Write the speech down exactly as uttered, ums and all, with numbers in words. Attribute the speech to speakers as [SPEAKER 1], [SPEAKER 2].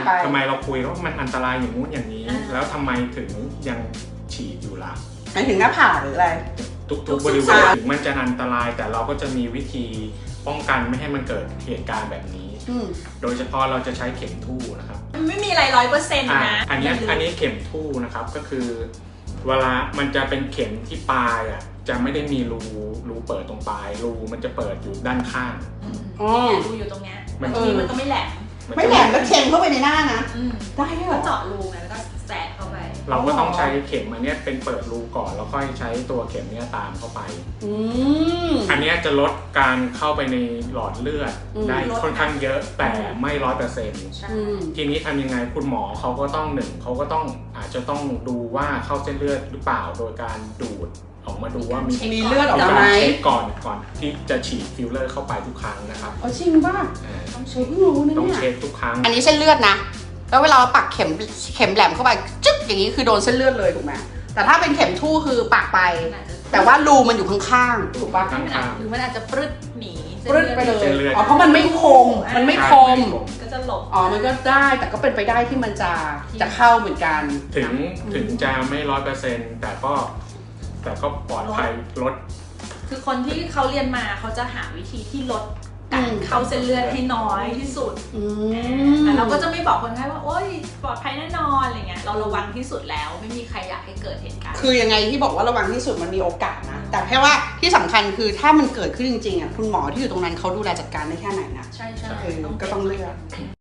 [SPEAKER 1] ทำไมเราคุยว่ามันอันตรายอย่างงู้นอย่างนี้แล้วทำไมถึงยังฉีดอยู่ล่ะ
[SPEAKER 2] หมายถึงหน้าผากหรืออะไร
[SPEAKER 1] ทุกทุกบริเวณถึงมันจะอันตรายแต่เราก็จะมีวิธีป้องกันไม่ให้มันเกิดเหตุการณ์แบบนี้โดยเฉพาะเราจะใช้เข็มทู่นะครับ
[SPEAKER 3] ไม่มีอะไรร้อยเปอร์เซ็นต์นะ
[SPEAKER 1] อันนี้อันนี้เข็มทู่นะครับก็คือเวลามันจะเป็นเข็มที่ปลายอ่ะจะไม่ได้มีรูรูเปิดตรงปลายรูมันจะเปิดอยู่ด้านข้าง
[SPEAKER 3] อ๋อรูอยู่ตรงเนี้ยบางทีมันก็ไม่แหลม
[SPEAKER 2] ไม่แหลมแล้วเข็มเข้าไปในหน้านะ
[SPEAKER 3] ได้ก็เจาะรูไงแล้วก็แสะเข้าไป
[SPEAKER 1] เราก็ต้องใช้เข็มอันนี้เป็นเปิดรูก่อนแล้วค่อยใช้ตัวเข็มนี้ตามเข้าไปอันนี้จะลดการเข้าไปในหลอดเลือดได้ค่อนข้างเยอะแต่ไม่ร้อยเปอร์เซ็นต์ทีนี้ทำยังไงคุณหมอเขาก็ต้องหนึ่งเขาก็ต้องอาจจะต้องดูว่าเข้าเส้นเลือดหรือเปล่าโดยการดูดออกมาดูว่ามี
[SPEAKER 2] มีเลือดออกมาไหม
[SPEAKER 1] เช็คก่อนก่อนที่จะฉีดฟิลเลอร์เข้าไปทุกครั้งนะครับ
[SPEAKER 2] อ๋อจริงป่ะต้องเช็ครู้นะเนี่ย
[SPEAKER 1] ต้องเช็คทุกครั้ง
[SPEAKER 2] อันนี้เส้นเลือดนะแล้วเวลาเราปักเข็มเข็มแหลมเข้าไปจึ๊กอย่างนี้คือโดนเส้นเลือดเลยถูกไหมแต่ถ้าเป็นเข็มทู่คือปักไปแต่ว่ารูมันอยู่ข้างๆถูกป่ะ
[SPEAKER 3] หรือมันอาจจะปรึดหนี
[SPEAKER 2] ปรึดไปเลยอ๋อเพราะมันไม่คมมันไม่คม
[SPEAKER 3] ก็จะหลบ
[SPEAKER 2] อ๋อมันก็ได้แต่ก็เป็นไปได้ที่มันจะจะเข้าเหมือนกัน
[SPEAKER 1] ถึงถึงจะไม่ร้อยเปอร์เซ็นต์แต่ก็แต่ก็ปลอดภัยลด
[SPEAKER 3] คือคนที่เขาเรียนมาเขาจะหาวิธีที่ลดการเข้าเส้นเลือดให้น้อยที่สุดแต่เราก็จะไม่บอกคนไข้ว่าโอ๊ยปลอดภัยแน่นอนอะไรเงี้ยเราระวังที่สุดแล้วไม่มีใครอยากให้เกิดเหตุการณ์
[SPEAKER 2] คือยังไงที่บอกว่าระวังที่สุดมันมีโอกาสนะแต่แค่ว่าที่สำคัญคือถ้ามันเกิดขึ้นจริงๆอ่ะคุณหมอที่อยู่ตรงนั้นเขาดูแลจัดการได้แค่ไหนนะ
[SPEAKER 3] ใช่ใช่
[SPEAKER 2] ก็ต้องเลือก